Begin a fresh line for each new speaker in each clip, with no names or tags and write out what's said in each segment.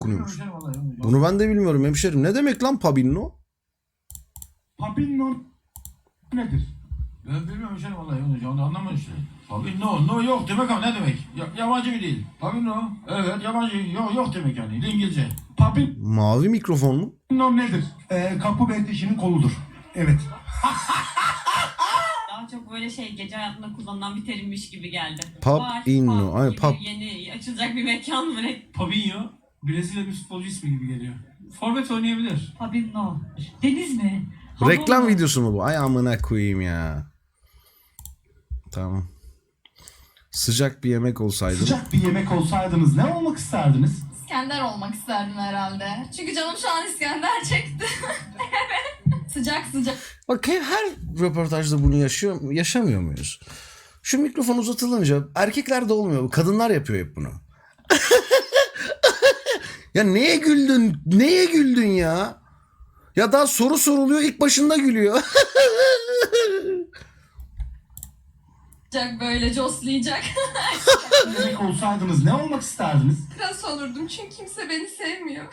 okunuyormuş. Bunu ben de bilmiyorum hemşerim. Ne demek lan Pabinno?
Pabinno nedir?
Ben bilmiyorum canım vallahi onu anlamadım işte. Tabii no yok demek ama ne demek? Yabancı bir değil. Tabii no. Evet yabancı yok demek yani. İngilizce.
Pabinno
Mavi mikrofon mu?
nedir? Kapı bekleşinin koludur. Evet.
Daha çok böyle gece hayatında kullanılan bir terimmiş gibi geldi.
Pub
Bar,
inno. Ay,
gibi
pub.
Yeni açılacak bir mekan mı ne?
Fabinho, Brezilya bir futbolcu ismi gibi geliyor. Forvet oynayabilir.
Fabinho. Deniz mi?
Reklam
Hamur mu?
videosu mu bu? Ay amına koyayım ya. Tamam. Sıcak bir yemek olsaydı.
Sıcak bir yemek olsaydınız ne olmak isterdiniz?
İskender olmak isterdim herhalde. Çünkü canım şu an İskender çekti. Evet. Sıcak sıcak.
Bak her röportajda bunu yaşamıyor muyuz? Şu mikrofon uzatılınca erkeklerde olmuyor. Kadınlar yapıyor hep bunu. Ya neye güldün? Neye güldün ya? Ya daha soru soruluyor ilk başında gülüyor.
Sıcak böyle coslayacak.
Yemek olsaydınız ne olmak isterdiniz?
Kras olurdum çünkü kimse beni sevmiyor.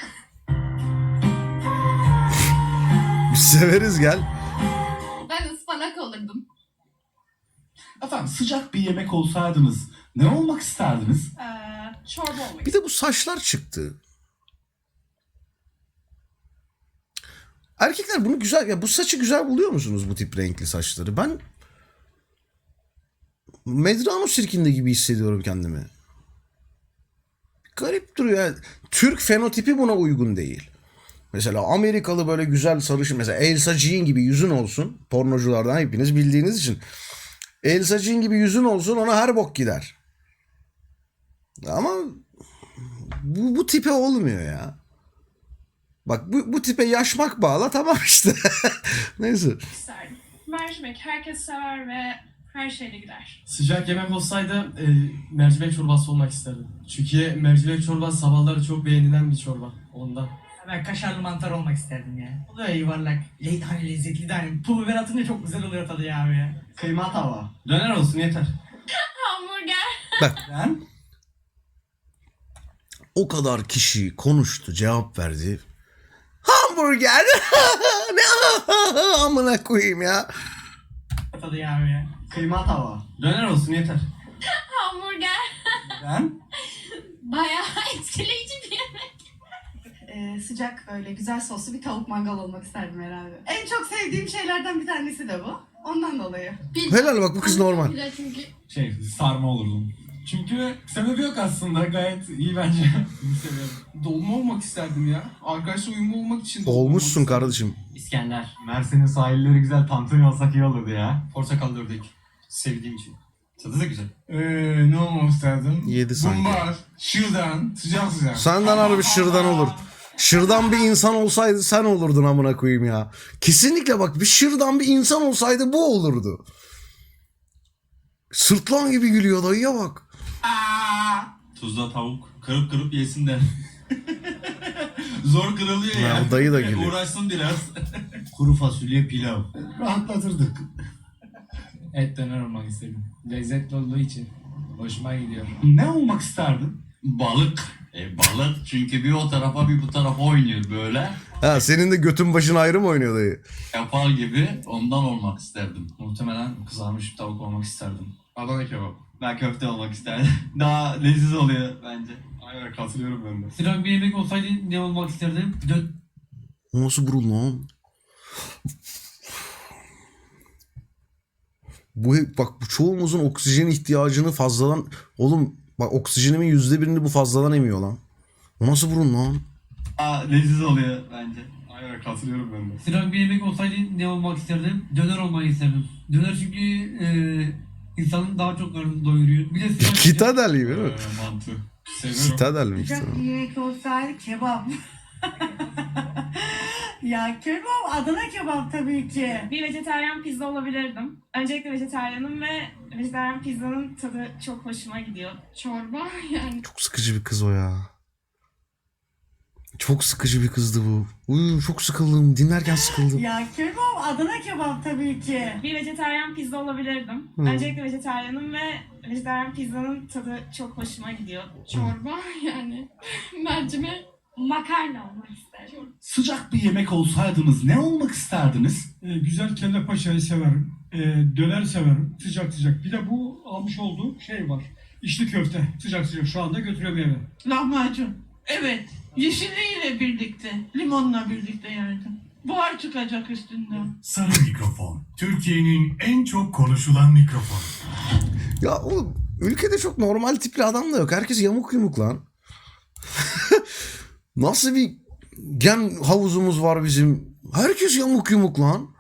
Biz severiz gel.
Ben ıspanak olurdum.
Efendim sıcak bir yemek olsaydınız ne olmak isterdiniz?
Çorba olmak.
Bir de bu saçlar çıktı. Erkekler bunu güzel ya bu saçı güzel buluyor musunuz bu tip renkli saçları? Ben Medrano sirkinde gibi hissediyorum kendimi. Garip duruyor. Yani Türk fenotipi buna uygun değil. Mesela Amerikalı böyle güzel sarışın mesela Elsa Jean gibi yüzün olsun. Pornoculardan hepiniz bildiğiniz için. Elsa Jean gibi yüzün olsun ona her bok gider. Ama bu tipe olmuyor ya. Bak bu tipe yaşmak bağla tamam işte. Neyse.
isterdim. Mercimek herkes sever ve her şeyle gider.
Sıcak yemek olsaydı mercimek çorbası olmak isterdim. Çünkü mercimek çorbası sabahları çok beğenilen bir çorba. Ondan.
Ben kaşarlı mantar olmak isterdim ya. O da yuvarlak. Hani lezzetli de hani pul biber atınca çok güzel oluyor tadı ya abi ya.
Kıyma tava.
Döner olsun yeter.
Hamburger.
Ben
O kadar kişi konuştu, cevap verdi. Hamburger. Ne amına koyayım ya.
Tadı ya abi ya.
kıyma tava.
Döner olsun yeter.
Hamburger.
Ben
Bayağı etkileyici bir yemek.
Sıcak böyle güzel soslu bir tavuk mangal olmak isterdim herhalde. En çok sevdiğim şeylerden bir tanesi de bu. Ondan dolayı.
Helal bak bu kız normal.
Çünkü
Sarma olurdum. Çünkü sebebi yok aslında gayet iyi bence. Seviyorum.
Dolma olmak isterdim ya. Arkadaşla uyumlu olmak için.
Olmuşsun kardeşim.
İskender.
Mersin'in sahilleri güzel tantuni olsak iyi olurdu ya.
Portakal ördek. Sevdiğim için. Tadı da güzel.
Ne olmak isterdim?
Yedi sanki.
Mumbar, şırdan, sıcak sıcak.
Senden harbi şırdan olur. Şırdan bir insan olsaydı sen olurdun amına koyayım ya. Kesinlikle bak bir şırdan bir insan olsaydı bu olurdu. Sırtlan gibi gülüyor dayıya bak.
Tuzla tavuk kırıp kırıp yesin de. Zor kırılıyor ya.
Ya, dayı da gülüyor.
Uğraşsın biraz. Kuru fasulye pilav.
Rahatlatırdık.
Et döner olmak istedim. Lezzetli olduğu için. Hoşuma gidiyor.
Ne olmak isterdin?
Balık. Balık çünkü bir o tarafa bir bu tarafa oynuyor böyle.
Ha senin de götün başın ayrı mı oynuyor dayı?
Yapar gibi ondan olmak isterdim.
Muhtemelen kızarmış bir tavuk olmak isterdim. Adana kebap.
Ben köfte olmak isterdim. Daha leziz oluyor bence.
Aynen katılıyorum ben de.
Sıcak bir yemek olsaydı ne olmak isterdim?
O nasıl burun lan? Bak bu çoğumuzun oksijen ihtiyacını fazladan... Oğlum bak oksijenimin %1'ini bu fazladan emiyor lan. O nasıl burun lan?
Daha leziz oluyor bence.
Aynen katılıyorum ben de.
Sıcak bir yemek olsaydı ne olmak isterdim? Döner olmak isterdim. Döner çünkü insanın daha çok karnını doyuruyor. Bir de sıcak
Kitadel gibi değil mi?
Mantı.
Seviyorum.
Kitadel mi işte?
bir yemek olsaydı kebap. Ya kebap, Adana kebap tabii ki.
bir vejetaryen pizza olabilirdim. Öncelikle vejetaryenim ve vejetaryen pizzanın tadı çok hoşuma gidiyor. Çorba yani.
Çok sıkıcı bir kız o ya. Çok sıkıcı bir kızdı bu. Çok sıkıldım. Dinlerken sıkıldım.
Ya kebap, Adana kebap tabii ki.
Bir vejetaryen pizza olabilirdim. Öncelikle vejetaryenim ve vejetaryen pizzanın tadı çok hoşuma gidiyor. Çorba yani. Mercimek Makarna olmak isterdim.
Sıcak bir yemek olsaydınız ne olmak isterdiniz?
Güzel kelle paçayı severim. Döner severim. Sıcak sıcak. Bir de bu almış olduğum şey var. İçli köfte. Sıcak sıcak. Şu anda götürüyorum eve.
Lahmacun. Evet. Yeşilliğiyle birlikte, limonla birlikte yerdim. Buhar çıkacak üstünden.
Sarı mikrofon. Türkiye'nin en çok konuşulan mikrofonu.
Ya oğlum ülkede çok normal tipli adam da yok. Herkes yamuk yumuk lan. Nasıl bir gen havuzumuz var bizim? Herkes yamuk yumuk lan.